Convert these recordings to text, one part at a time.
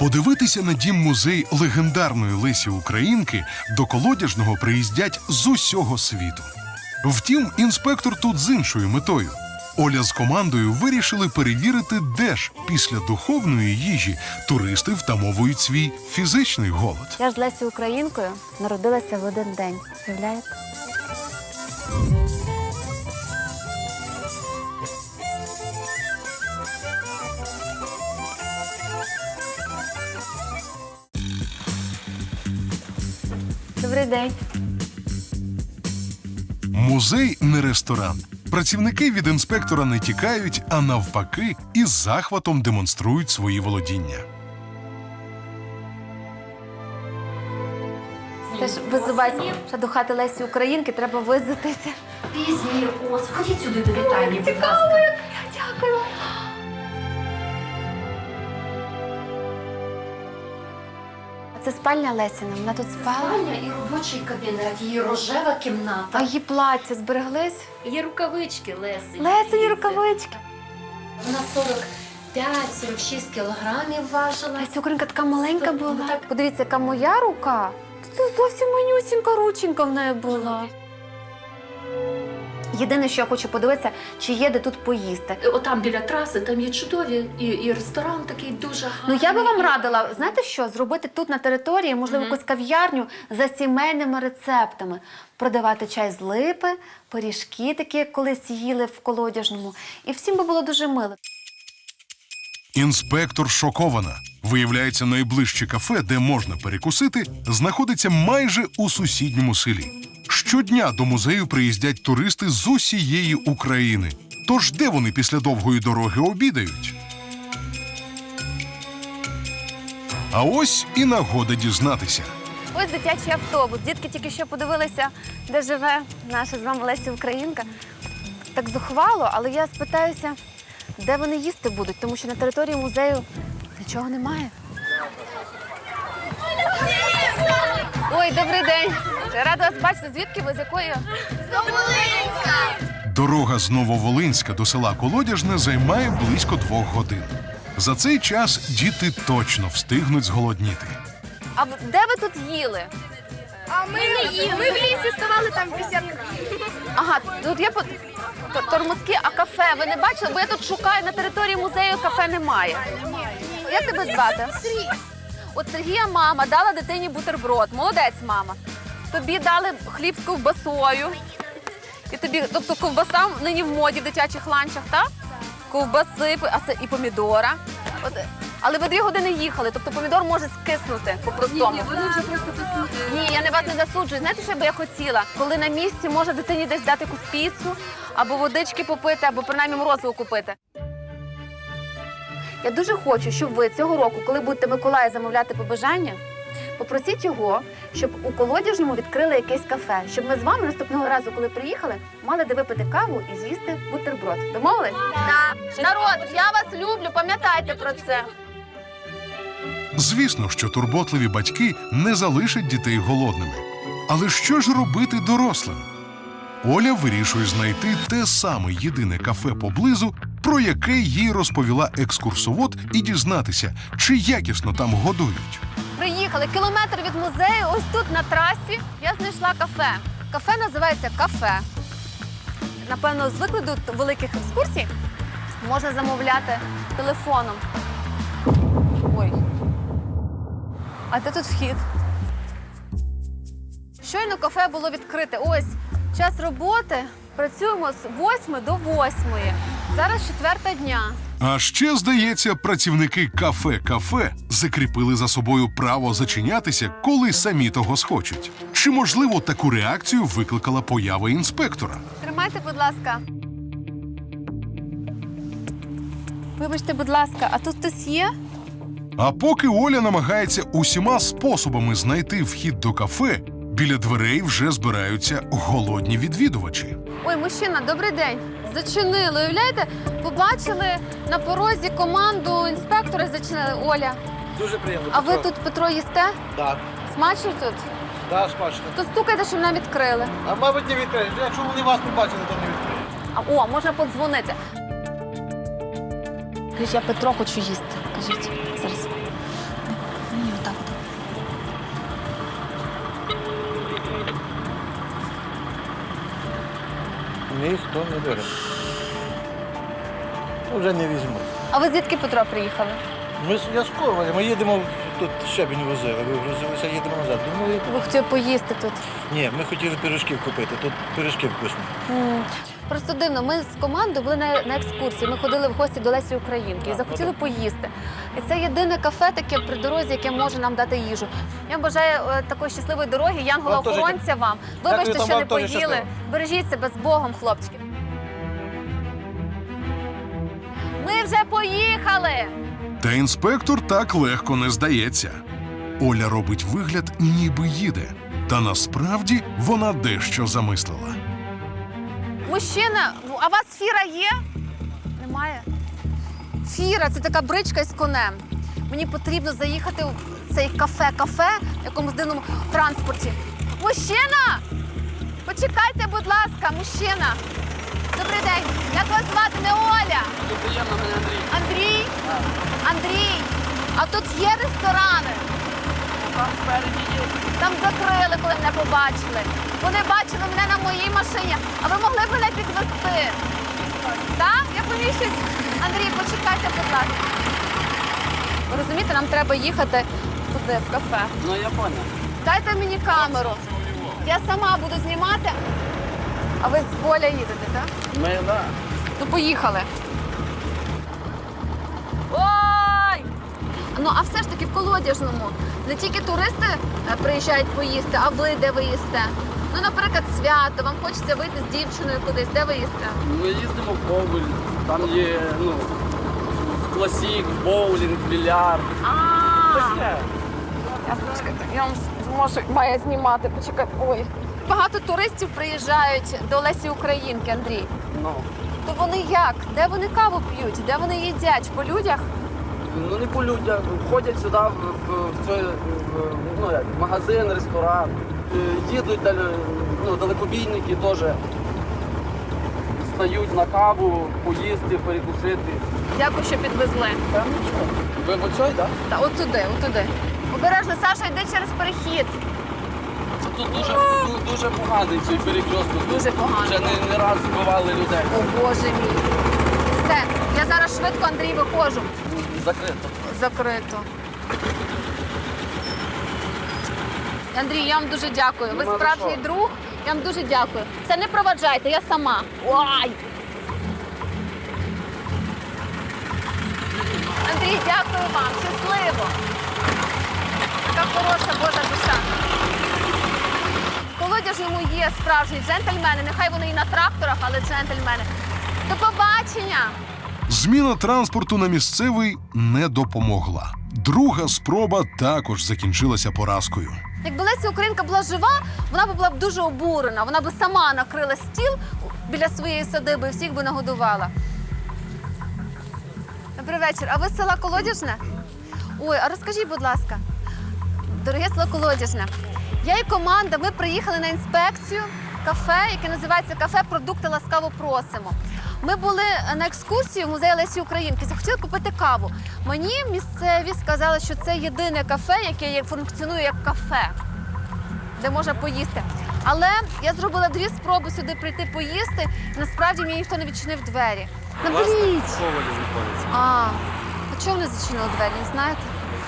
Подивитися на дім-музей легендарної Лесі Українки до Колодяжного приїздять з усього світу. Втім, інспектор тут з іншою метою. Оля з командою вирішили перевірити, де ж після духовної їжі туристи втамовують свій фізичний голод. Я ж з Лесією Українкою народилася в один день. Уявляєте? Добрий день. Музей не ресторан. Працівники від інспектора не тікають, а навпаки, із захватом демонструють свої володіння. Теж визивайте, що до хати Лесі Українки треба визитися. Пізні, ось, ходіть сюди до вітальні, будь ласка. Дякую. А це спальня Лесіна, вона тут спала. Спальня і робочий кабінет, її рожева кімната. А її плаття збереглись? Є рукавички Лесі. Лесині рукавички. Вона 45-46 кілограмів важила. Леся Українка така маленька була. Ну, так. Подивіться, яка моя рука. Це зовсім манюсінька рученька в неї була. Єдине, що я хочу подивитися, чи є де тут поїсти. Отам біля траси, там є чудові, і ресторан такий дуже гарний. Ну, я би вам радила, знаєте що, зробити тут на території, можливо, якусь кав'ярню за сімейними рецептами. Продавати чай з липи, пиріжки такі, як колись їли в Колодяжному. І всім би було дуже мило. Інспектор шокована. Виявляється, найближче кафе, де можна перекусити, знаходиться майже у сусідньому селі. Щодня до музею приїздять туристи з усієї України. Тож де вони після довгої дороги обідають? А ось і нагода дізнатися. Ось дитячий автобус. Дітки тільки що подивилися, де живе наша з вами Леся Українка. Так зухвало, але я спитаюся, де вони їсти будуть, тому що на території музею нічого немає. Ой, добрий день. Рада вас бачити. Звідки ви? З якої? З Нововолинська! Дорога з Нововолинська до села Колодяжне займає близько 2 годин. За цей час діти точно встигнуть зголодніти. А де ви тут їли? А ми не їли. Ми в лісі ставали там бесідки. Ага, тут є тормозки, а кафе ви не бачили? Бо я тут шукаю, на території музею кафе немає. Як тебе звати? Сергій. От Сергія мама дала дитині бутерброд. Молодець, мама. Тобі дали хліб з ковбасою. І тобі, тобто ковбаса нині в моді в дитячих ланчах, так? Ковбаси, а це і помідора. От, але ви 2 години їхали, тобто помідор може скиснути по-простому. Ні, вони вже просто посудили. Ні, я не вас не засуджую. Знаєте, що би я хотіла? Коли на місці може дитині десь дати якусь піцу, або водички попити, або принаймні морозиво купити. Я дуже хочу, щоб ви цього року, коли будете Миколая замовляти побажання, попросіть його, щоб у Колодяжному відкрили якесь кафе, щоб ми з вами наступного разу, коли приїхали, мали де випити каву і з'їсти бутерброд. Домовились? Так. Народ, я вас люблю, пам'ятайте про це. Звісно, що турботливі батьки не залишать дітей голодними. Але що ж робити дорослим? Оля вирішує знайти те саме єдине кафе поблизу, про яке їй розповіла екскурсовод, і дізнатися, чи якісно там годують. Приїхали кілометр від музею, ось тут на трасі я знайшла кафе. Кафе називається «Кафе». Напевно, з викладу великих екскурсій можна замовляти телефоном. Ой. А де тут вхід? Щойно кафе було відкрите. Ось, час роботи. Працюємо з 8 до 8. Зараз 4 дня. А ще, здається, працівники кафе закріпили за собою право зачинятися, коли самі того схочуть. Чи, можливо, таку реакцію викликала поява інспектора? Тримайте, будь ласка. Вибачте, будь ласка, а тут хтось є? А поки Оля намагається усіма способами знайти вхід до кафе, біля дверей вже збираються голодні відвідувачі. Ой, мужчина, добрий день. Зачинили, уявляєте? Побачили на порозі команду інспектора, зачинили. Оля, Дуже приємно. а ви тут, Петро, їсте? Так, Смачно тут? так, смачно. То стукайте, щоб нам відкрили. А мабуть, не відкриєш. Якщо вони вас не бачили, то не відкриють. О, можна подзвонити. Кажіть, я Петро хочу їсти. Кажіть, зараз. ніхто не бере. Вже не візьму. А ви звідки, Петро, приїхали? Я з Коваля, ми їдемо, тут щебінь возили, вигрузилися, їдемо назад. Думали, Ви хотіли поїсти тут. ні, ми хотіли пиріжків купити, тут пиріжки вкусні. Просто дивно, ми з командою були на екскурсії, ми ходили в гості до Лесі Українки і захотіли поїсти. І це єдине кафе таке при дорозі, яке може нам дати їжу. Я вам бажаю такої щасливої дороги, янгола-охоронця вам. Вибачте, Дякую, що не вам теж поїли. щасливо. Бережіть себе з Богом, хлопчики. Ми вже поїхали! Та інспектор так легко не здається. Оля робить вигляд, ніби їде. Та насправді вона дещо замислила. Мужчина, а у вас фіра є? Немає? Фіра – це така бричка із конем. Мені потрібно заїхати в цей кафе, в якомусь дивному транспорті. Мужчина! Почекайте, будь ласка, мужчина. Добрий день. Як вас звати? Не Оля? Приємно, мене Андрій. Андрій? Андрій, а тут є ресторани? Там спереді є. Там закрили, коли мене побачили. Вони бачили мене на моїй машині, а ви могли б мене підвезти? Так? Я поміщусь. Андрій, почекайте, будь ласка. Ви розумієте, нам треба їхати туди, в кафе. Ну, я поняв. Дайте мені камеру. Я сама буду знімати. А ви з поля їдете, так? Ми, да. Ну, поїхали. Ой! Ну, а все ж таки в Колодяжному не тільки туристи приїжджають поїсти, а ви де ви їсте? Ну, наприклад, свято, вам хочеться вийти з дівчиною кудись, де ви їсте? Ми їздимо в Ковель. Там є, класік, боулінг, більярд. Таке. Я вам зможу, має знімати, почекайте. Ой. Багато туристів приїжджають до Лесі Українки, Андрій. Ну. То вони як? Де вони каву п'ють? Де вони їдять? По людях? Ну, не по людях. Ходять сюди в цей магазин, ресторан. Їдуть далекобійники теж. Стають на каву, поїсти, перекусити. Дякую, що підвезли. Та нічого. Ви в оцій, так? Та от туди, от туди. Обережно, Саша, йди через перехід. Це тут дуже поганий цей перекресток. Дуже поганий. Вже не раз вбивали людей. О, Боже мій. Все, я зараз швидко, Андрій, виходжу. Закрито. Закрито. Андрій, я вам дуже дякую. Ви Нема за справжній що. друг. Я вам дуже дякую. Це не проваджайте, я сама. Ой! Андрій, дякую вам. Щасливо. Така хороша Божа душа. В Колодяжному є справжні джентльмени. Нехай вони і на тракторах, але джентльмени. До побачення! Зміна транспорту на місцевий не допомогла. Друга спроба також закінчилася поразкою. Якби Леся Українка була жива, вона б була б дуже обурена. Вона б сама накрила стіл біля своєї садиби і всіх би нагодувала. Добрий вечір. А ви з села Колодяжне? Ой, а розкажіть, будь ласка, дороге село Колодяжне, я і команда, ми приїхали на інспекцію кафе, яке називається «Кафе Продукти ласкаво просимо». Ми були на екскурсії в музеї Лесі Українки, захотіли купити каву. Мені місцеві сказали, що це єдине кафе, яке функціонує як кафе, де можна поїсти. Але я зробила 2 спроби сюди прийти поїсти, і насправді мені ніхто не відчинив двері. Наберіть! Ковалі знаходиться. А чого вони зачинили двері, не знаєте?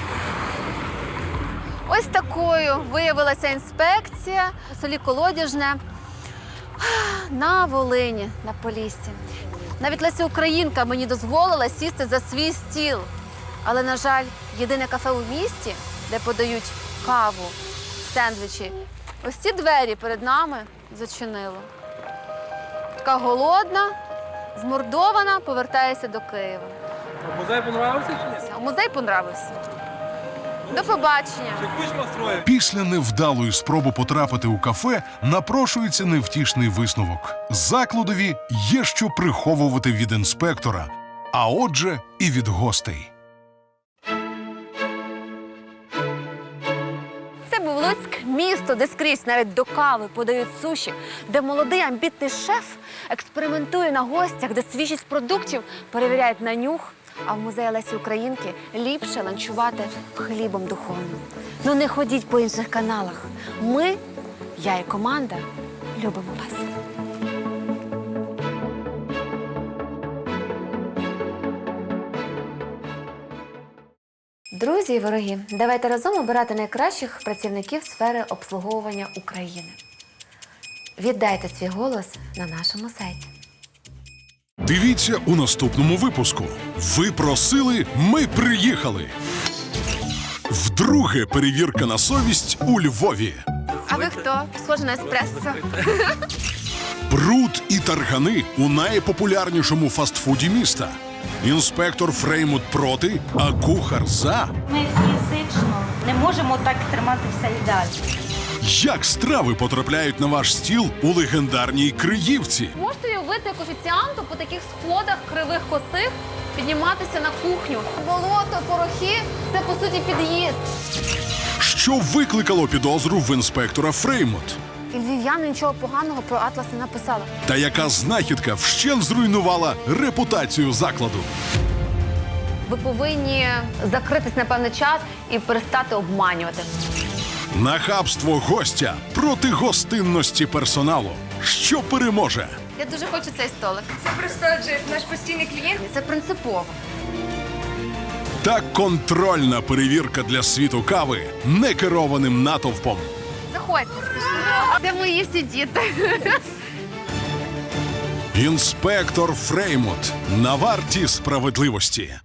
Ось такою виявилася інспекція у селі Колодяжне на Волині, на Поліссі. Навіть Леся Українка мені дозволила сісти за свій стіл. Але, на жаль, єдине кафе у місті, де подають каву, сендвічі, ось ці двері перед нами зачинило. Така голодна, змордована, повертаюся до Києва. Музей понравився чи ні? Музей понравився. До побачення. Кучма строїв. Після невдалої спроби потрапити у кафе напрошується невтішний висновок. Закладові є що приховувати від інспектора, а отже і від гостей. Це був Луцьк, місто, де скрізь навіть до кави подають суші, де молодий амбітний шеф експериментує на гостях, де свіжість продуктів перевіряють на нюх, а в музеї Лесі Українки ліпше ланчувати хлібом духовним. Ну не ходіть по інших каналах. Ми, я і команда, любимо вас. Друзі і вороги, давайте разом обирати найкращих працівників сфери обслуговування України. Віддайте свій голос на нашому сайті. Дивіться у наступному випуску. Ви просили, ми приїхали. Вдруге перевірка на совість у Львові. А ви хто? Схоже на еспресо. Бруд і таргани у найпопулярнішому фастфуді міста. Інспектор Фреймут проти, а кухар за. Ми фізично не можемо так триматися і далі. Як страви потрапляють на ваш стіл у легендарній Криївці? Можете уявити, як офіціанту по таких сходах кривих косих підніматися на кухню. Болото, порохи – це, по суті, під'їзд. Що викликало підозру в інспектора Фреймут? І львів'яни нічого поганого про Атлас не написали. Та яка знахідка вщент зруйнувала репутацію закладу? Ви повинні закритись на певний час і перестати обманювати. Нахабство гостя проти гостинності персоналу. Що переможе? Я дуже хочу цей столик. Це просто Джип, наш постійний клієнт. Це принципово. Та контрольна перевірка для світу кави некерованим натовпом. Заходьте. Це мої всі діти. Інспектор Фреймут на варті справедливості.